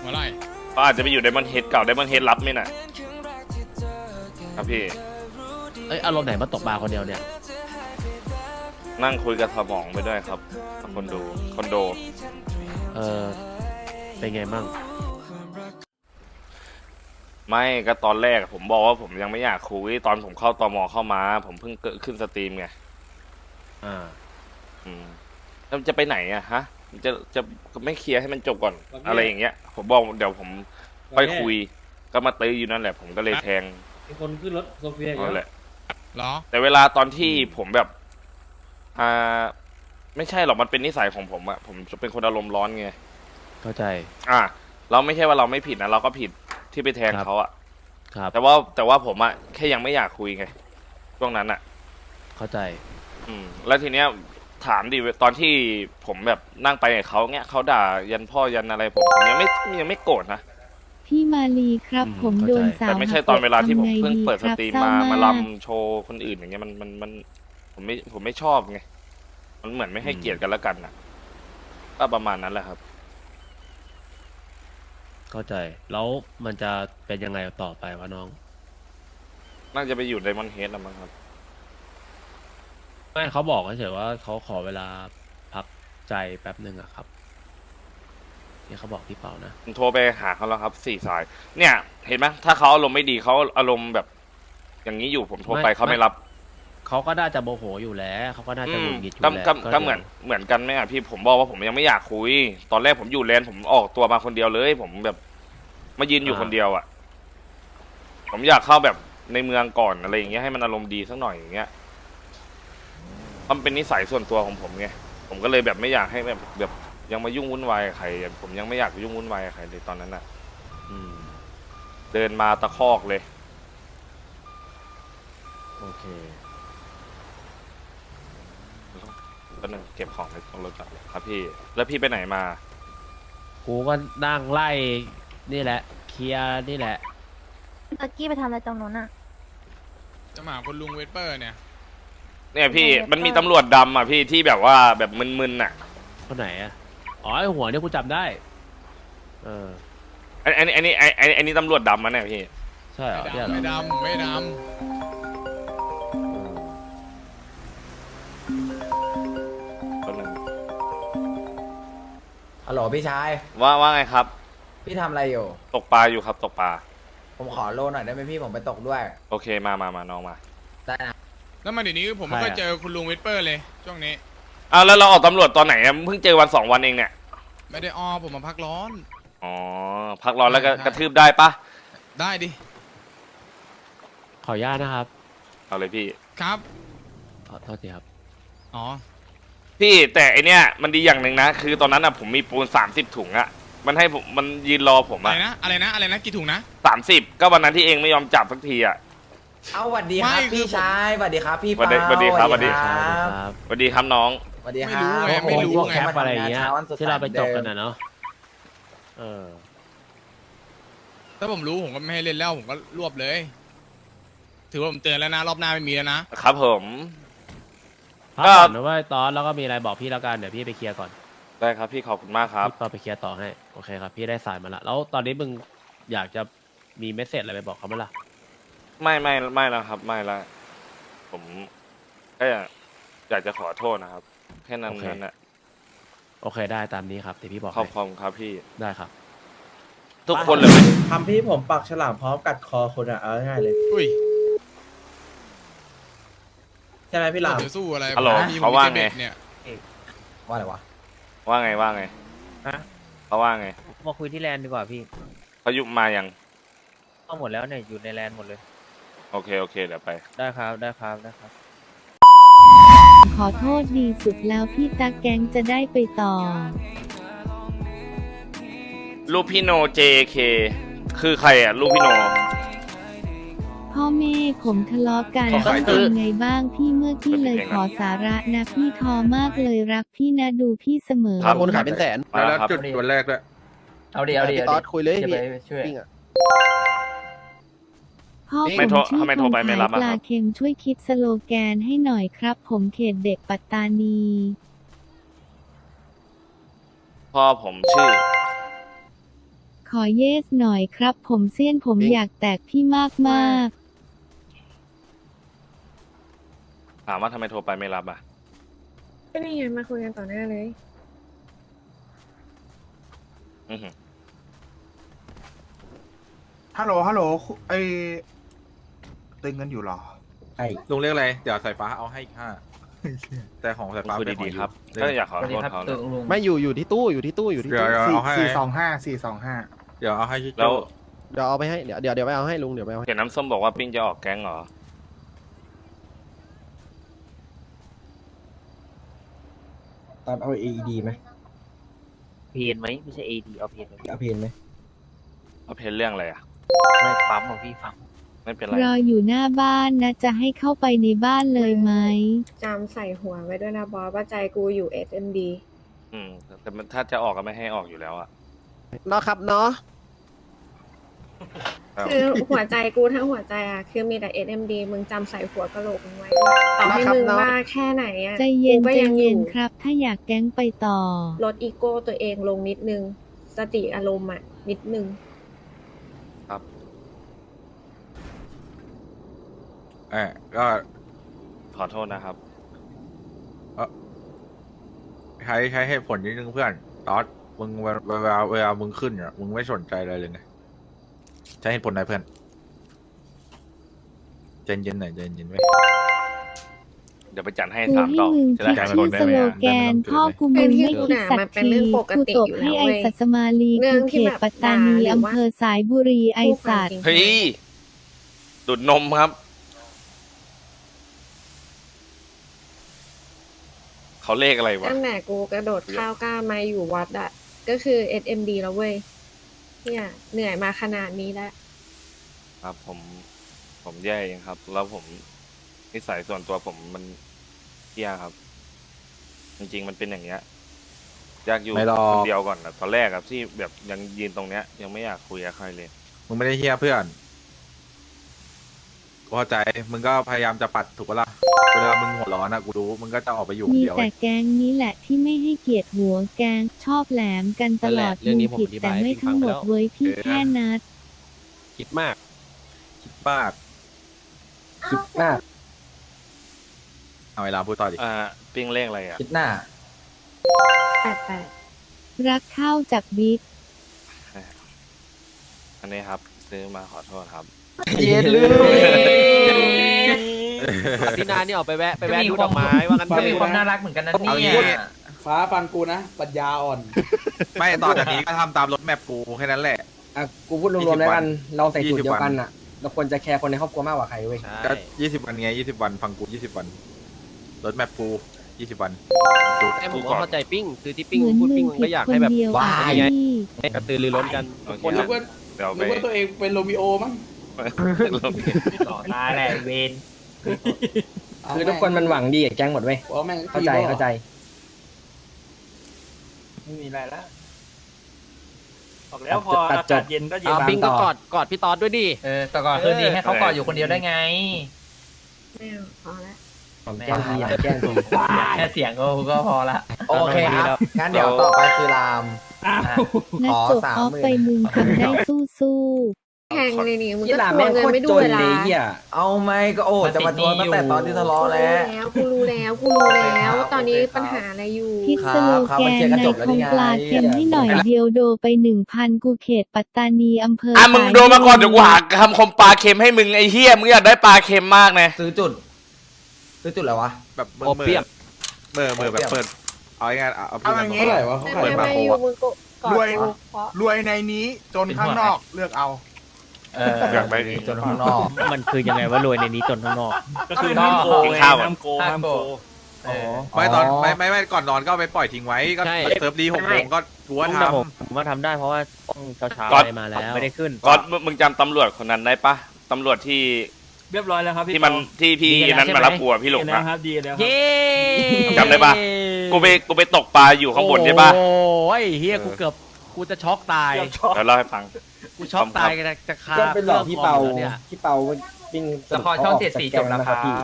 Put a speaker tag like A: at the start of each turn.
A: หัวไล่
B: เขาอาจจะไปอยู่ไดมอนด์เฮดเก่าไดมอนด์เฮดรับไหมน่ะครับพี่
C: อารมณ์ไหนมาตกปลาคนเดียวเนี่ย
B: นั่งคุยกับสมองไปด้วยครับคอนโด
C: เป็นไงมั่ง
B: ไม่ก็ตอนแรกผมบอกว่าผมยังไม่อยากคุยตอนผมเข้าตมเข้ามาผมเพิ่งเกิดขึ้นสตรีมไงแล้วจะไปไหนอะฮะจะไม่เคลียร์ให้มันจบก่อนอะไรอย่างเงี้ยผมบอกเดี๋ยวผมไปคุยก็มาตื้ออยู่นั่นแหละผมก็เลยแทง
D: มีคนขึ้นรถโซเฟีย
B: นั่นแหละ
A: หรอ
B: แต่เวลาตอนที่ผมแบบไม่ใช่หรอกมันเป็นนิสัยของผมอะผมจะเป็นคนอารมณ์ร้อนไง
C: เข้าใจ
B: เราไม่ใช่ว่าเราไม่ผิดนะเราก็ผิดที่ไปแทงเขาอะ
C: ครับ
B: แต่ว่าผมอะแค่ยังไม่อยากคุยไงช่วงนั้นอะ
C: เข้าใจ
B: แล้วทีเนี้ยถามดิตอนที่ผมแบบนั่งไปกับเขาเงี้ยเขาด่ายันพ่อยันอะไรผมยังไม่โกรธนะ
E: พี่มาลีครับผมโดนสาว
B: แต่ไม่ใช่ตอนเวลาที่ผมเพิ่งเปิดสตรีมมาลำโชว์คนอื่นอย่างเงี้ยมันผมไม่ชอบไงมันเหมือนไม่ให้เกียรติกันแล้วกันนะก็ประมาณนั้นแหละครับ
C: เข้าใจแล้วมันจะเป็นยังไงต่อไปวะน้อง
B: น่าจะไปอยู่ไดมอนด์เฮดแล้วมั้งครับ
C: ไม่เขาบอกเฉยว่าเขาขอเวลาพักใจแป๊บหนึ่งอะครับนี่เขาบอกพี่เปานะ
B: ผมโทรไปหาเขาแล้วครับ4 สายเนี่ยเห็นไหมถ้าเขาอารมณ์ไม่ดีเขาอารมณ์แบบอย่างนี้อยู่ผมโทรไปเขาไม่รับ
C: เขาก็น่าจะโมโหอยู่แล้วเขาก็น่าจะหงุดหงิดอยู่แล้ว
B: ก็เหมือนกันไหมพี่ผมบอกว่าผมยังไม่อยากคุยตอนแรกผมอยู่แลนด์ผมออกตัวมาคนเดียวเลยผมแบบมายืนอยู่คนเดียวอ่ะผมอยากเข้าแบบในเมืองก่อนอะไรอย่างเงี้ยให้มันอารมณ์ดีสักหน่อยอย่างเงี้ยมันเป็นนิสัยส่วนตัวของผมไงผมก็เลยแบบไม่อยากให้แบบยังมายุ่งวุ่นวายกับใครผมยังไม่อยากยุ่งวุ่นวายกับใครเลยตอนนั้นอ่ะเดินมาตะคอกเลย
C: โอเค
B: ก็นึงเก็บของในรถก่อนครับพี่แล้วพี่ไปไหนมา
C: กูก็นั่งไล่นี่แหละเคลียร์นี่แหละ
E: ตะกี้ไปทำอะไรตรงนู้นอะ
A: จะมาคุณลุงเวสเปอร์เนี่ย
B: พี่มันมีตำรวจดำอ่ะพี่ที่แบบว่าแบบมึนๆน่ะ
C: คนไหนอ่ะอ๋อไอหัวเนี่ยกูจำได้
B: อันนี้ตำรวจดำมั้ยเนี่ยพี่
C: ใช่เหรอ
A: ไม่ด
F: ฮัลโหลพี่ชาย
B: ว่าไงครับ
F: พี่ทำอะไรอยู่
B: ตกปลาอยู่ครับตกปลา
F: ผมขอโลหน่อยได้ไหมพี่ผมไปตกด้วย
B: โอเคมาน้องมา
F: ได้นะ
A: แล้วมาเดี๋ยวนี้ผมไม่เคยเจอคุณลุงเวสเปอร์เลยช่วงนี้
B: แล้วเราออกตำรวจตอนไหนเพิ่งเจอวัน2 วันเองเนี่ย
A: ไม่ได้ผมมาพักร้อน
B: พักร้อนแล้วก็กระทืบได้ปะ
A: ได้ดิ
C: ขออนุญาตนะครับ
B: เอาเลยพี่
A: ครับ
C: ขอโทษทีครับ
B: พี่แต่ไอเนี้ยมันดีอย่างหนึ่งนะคือตอนนั้นผมมีปูน30 ถุงอะมันให้ผมมันยืนรอผมอะ
A: อะไรนะกี่ถุงนะ
B: 30ก็วันนั้นที่เองไม่ยอมจับสักทีอะ
F: เอาสวัสดีครับพี่ชายสวัสดีครับพี่เปา
B: สวัสดีครับสวัสดีครับน้อง
F: สวัสดีครับ
A: ไม่รู้
C: แคปอะไรเงี้ยที่เราไปตกกันนะเนาะ
A: ถ้าผมรู้ผมก็ไม่ให้เล่นแล้วผมก็รวบเลยถือว่าผมเตือนแล้วนะรอบหน้าไม่มีแล้ว
B: นะครับผม
C: ก็หรือว่าตอนแล้วก็มีอะไรบอกพี่แล้วกันเดี๋ยวพี่ไปเคลียร์ก่อน
B: ได้ครับพี่ขอบคุณมากครับ
C: พี่ไปเคลียร์ต่อให้โอเคครับพี่ได้สายมาละแล้วตอนนี้มึงอยากจะมีเมสเซจอะไรไปบอกเขาไหมล่ะ
B: ไม่แล้วครับไม่แล้วผมแค่อยากจะขอโทษนะครับแค่นั้นนะ
C: โอเคได้ตามนี้ครับที่พี่บอก
B: ขอบคุณครับพี่
C: ได้ครับ
B: ทุกคนเลย
D: ทำพี่ผมปักฉลามพร้อมกัดคอคนเอาง่ายเลยใช่ไหมพี่หลาม
A: สู้อะไร
B: ฮัลโหลเขาว่าไง
F: ว่าอะไรวะ
B: ว่าไง
D: ฮะ
B: เขาว่าไง
G: มาคุยที่แลนด์ดีกว่าพี่
B: เขายุบมายัง
G: เอาหมดแล้วเนี่ยอยู่ในแลนด์หมดเลย
B: โอเคเดี๋ยวไป
G: ได้ครับ
E: ขอโทษดีสุดแล้วพี่ตาแกงจะได้ไปต่อ
B: ลูกพี่โน JK คือใครอ่ะลูกพี่โน
E: พ่อแม่ผมทะเลาะกันเป็นไงบ้างพี่เมื่อกี้เลยขอสาระนะพี่ทอมากเลยรักพี่นะดูพี่เสมอ
C: คนขายเป็นแสน
B: แล้วจุดวันแรกด้วย
F: เอาดิ
C: พี่ตอดคุยเลยพี่
E: พ่อผมชื่อคนขายปลาเค็มช่วยคิดสโลแกนให้หน่อยครับผมเขตเด็กปัตตานี
B: พ่อผมชื่อ
E: ขอเยสหน่อยครับ ผมเสี้ยนผมอยากแตกพี่มากมาก
B: ถามว่าทำไมโทรไปไม่รับอ่ะ
H: ก็นี่ไงมาคุยกันต่อหน้าเลย
B: อื้อหือ
I: ฮัลโหลไอตึงกันอยู่เหรอ
D: ไอ้
J: ลุงเรียกอะไร เดี๋ยวสายฟ้าเอาให้อีกห้า แต่ของสายฟ้า
B: คุย
J: เป็นของ
B: ดีๆครับ
J: อยู่
B: ก็อยากขอ
F: สวัส
B: โท
F: ดี
B: ษ
F: ครับ
B: เขาเล
F: ตึ
B: ย
F: งลุง
C: ไม่อยู่ที่ตู้อยู่ที่ตู้
J: เดี๋ยวเอาให้
I: 425
J: เดี๋ยวเอาให้ชิโจ
B: แล้ว
C: เดี๋ยวเอาไปให้เดี๋ยวไปเอาให้ลุงเดี๋ยวไปเอาให้
B: เห็นน้ำส้มบอกว่าปิ้งจะออกแก๊งเหรอ
D: ตอนเอา AED ไหม
G: เพนไหมไม่ใช่ AD เอาเพนไหม
D: เอาเพนไหม
B: เอาเพนเรื่องอะไรอ่ะ
G: ไม่ปั๊มของพี่ฟัง
B: ไม่เป็นไร
E: ๆรออยู่หน้าบ้านนะจะให้เข้าไปในบ้านเลยไหม
H: จำใส่หัวไว้ด้วยนะบอสว่าใจกูอยู่ SMD
B: แต่มันถ้าจะออกก็ไม่ให้ออกอยู่แล้วอ่ะ
C: เนาะครับเนาะ
B: ครับ
H: คือหัวใจกูทั้งหัวใจอะคือมีแต่ SMD มึงจำใส่หัวกะโหลกมึงไว้ด้วยต่อให้มึงว่าแค่ไหนอะ
E: ใจเย็น
H: กูก็
E: ใจ
H: ยังอ
E: เย็น
H: ยู่
E: ครับ ถ้าอยากแก๊งไปต่อ
H: ลดอีโก้ตัวเองลงนิดนึง สติอารมณ์อะนิดนึง
J: ก็
B: ขอโทษนะครับ
J: ใช้เหตุผลนิดนึงเพื่อนตอสมึงเวลามึงขึ้นอ่ะมึงไม่สนใจอะไรเลยไงใช้เหตุผลไหนเพื่อนใจเย็นหน่อยใจเย็นไว้
B: เดี๋ยวไปจัดให้
E: กู
B: 3
E: ให้
B: ดอก
E: มึง
B: จะ
E: คิ
B: ได้
E: ด
B: ใจ
E: ชื่
B: ค
E: อน
B: ได้
E: ส
B: ไหม
E: โล
B: อะ
E: แกนพ่อกูมึงไม่คิดสักทีกูตบให้ไอสัตมาลี
H: เรื่
E: กู
H: อง
E: เข
H: ที่
E: ต
H: แบบ
E: ปัตตานี
H: ด่าหรือ
E: อำ
H: ว่า
E: เภอสายบุรีไอสัตว์
B: เฮ้ย ดูดนมครับ เขาเลขอะไรวะ
H: ตั้งแต่กูกระโดดข้าวกล้ามาอยู่วัดอะก็คือ SMD แล้วเว้ยเนี่ยเหนื่อยมาขนาดนี้แล้ว
B: ครับผมแย่เองครับ แล้วผมนิสัยส่วนตัวผมมันเที่ยครับ จริงๆมันเป็นอย่างเงี้ยอยากอยู่
J: ไม่หรอก
B: คนเดียวก่อนนะตอนแรกครับที่แบบยังยืนตรงเนี้ย ยังไม่อยากคุยกับใครเลย
J: มึงไม่ได้เฮี้ยเพื่อนกูเข้าใจมึงก็พยายามจะปัดถูกปะล่ะเวลามึงหัวร้อนนะกูรู้มึงก็จะออกไปอยู่คน
E: มี
J: เดียว
E: แต่แก๊งนี้แหละที่ไม่ให้เกียรติหัวแก๊งชอบแหลมกันตลอด
C: นั่นแหละเรื่องนี้
E: มึงผิด
C: ผมอธิบาย
E: แต่ไม่
C: ให้พี่ฟั
E: ทั้
C: ง
E: ง
C: ไป
E: หม
C: แล้
E: ด
C: ว
E: เว้ยพี่แค่นัด
C: คิดมาก
J: คิดมาก
D: คิดมาก
J: เอาเวลาพูดต่อดิ
B: ปิ้งเลขอะไรอ่ะ
F: คิดหน้า
H: 88
E: รักเข้าจากบิ๊ก
B: อันนี้ครับ ซื้อมาขอโทษครับ
C: เย็นเลยพี่นานี่ออกไปแวะดูดอกไม้ว่างั้น
F: ก็มี
C: เถอะ
F: ความน่ารักเหมือนกันนะ
J: เอา
F: เนี่
J: งี้
F: ย
D: ฟ้าฟังกูนะ ปัญญาอ่อน
J: ไม่ต่อจากนี้ก็ทำตามรถแมพกูแค่นั้นแหละ
D: อ่ะ กูพูดรวมๆแล้วกัน เราใส่สูตร
J: 20
D: เดียวกันอ่ะ เราควรจะแคร์คนในครอบครัวมากกว่าใครเว้ย
J: ก็20 วันไง20 วันฟังกู20 วันรถแมพกู20 วันดู
C: ไอ้ผมก็เข้าใจปิ้งคือที่ปิ้ง
E: เหมือน
C: พูด
E: มึ
C: ปิ้ง
E: ง
C: มัน
E: ผิ
C: ก็
E: ด
C: อยาก
E: คน
C: ให้แบบ
E: เดียว
C: ว้า
E: อ่ะ
C: ยไง
E: พี่
C: กระตือรือร้นกัน
B: โอเค
C: คน
B: ค
C: ละ
B: รับเดี๋ยวไป
D: นึกว่าตัวเองเป็นโรมิโอมั้ง
F: ต่อตายแหละเวน
D: คือทุกคนมันหวังดีกับแก๊งหมดเว้ย เข้าใจ เข้าใจ
F: ไม่มีอะไรแล้ว
D: บอกแล้วพออากาศเย็นก็
C: ปิ้งก็กอดพี่ตอดด้วยดิ
F: แต่ก่อนคืนดีให้เขากอดอยู่คนเดียวได้ไง
H: ไม่เอาพอละ
D: ผมแกล้งทีอยากแกล้งที
F: แค่เสียงก็พอละ โอเคครับ งั้นเดี๋ยวต่อไปคือราม
E: นัดจบออฟไปมึงทำได้สู้ๆ
H: แพงเลยนี่มึง
D: ยี่
H: ก็
D: หลา
H: ทว
D: แม่
H: ง
D: ง
H: เงิน
D: โคตร
H: ไม่ดู
D: จน
H: เวลา
D: เลยเฮีย
F: เอาไหมก็โอ้จะมาทวงตั้งแต่ตอนที่ทะเลาะแล้ว
H: กูรู้แล้ว ตอนนี้ปัญหาอะไรอยู่
E: คิดสโลแกนในคงปลาเค็มให้หน่อยเดียวโดไป 1,000 กูเขตปัตตานีอำเภอ
B: มึงโดนมาก่อนเดี๋ยวกูหาคำคมปลาเค็มให้มึงไอ้เฮียมึงอยากได้ปลาเค็มมากนะ
F: ซื้อจุดอะไรวะ
J: แบบเมื่
C: โอเปียม
J: เมื่อแบบเปิดเอาง่ายๆเอาพูดกัน
I: เอาอย่างงี้
D: เท่าไหร่วะเขา
H: ไม่
D: ขาย
H: ไม่อยู่มึงก็กอด
I: รวย
H: กูเพราะ
I: รวยในนี้จนข้างนอกเลือกเอา
B: อยากได้
F: จนข้างนอก
G: มันคือยังไงว่ารวยในนี้จนข้างนอก
F: ก็คือ
B: กินข้าวก่อน
F: ห้ามโก
J: ไม่ตอนไม่ก่อนนอนก็เอาไปปล่อยทิ้งไว้ก็
C: ใช่
J: เซิร์ฟดี6 โมงก็ทัวร์
G: แต่
J: ท
G: ผมว่าทำได้เพราะว่าต้องเช้า
B: ก่อน
G: ๆมาแล้วไม่ได้ขึ้น
B: ก็มึงจำตำรวจคนนั้นได้ปะตำรวจที่
F: เรียบร้อยแล้วครับ
B: ที่มันที่พี่นั้นมารับกูอะพี่หลงอะ
F: ดีแล้ว
C: เย้
B: จำได้ปะ กูไปตกปลาอยู่ข้างบนใช่ปะ
C: โอ้ยเฮียกูจะช็อกตาย
B: เดี๋ยวเล่าให้ฟัง
C: กูช็อกตายจะคา
D: ก็เป็นหลอกพี่เปา
C: ครื่องคอมอยู่แล้วเนี่ย
D: พี่เปาปิ้ง
F: ละครช่อง7 4จบแล้วครับ
D: พี่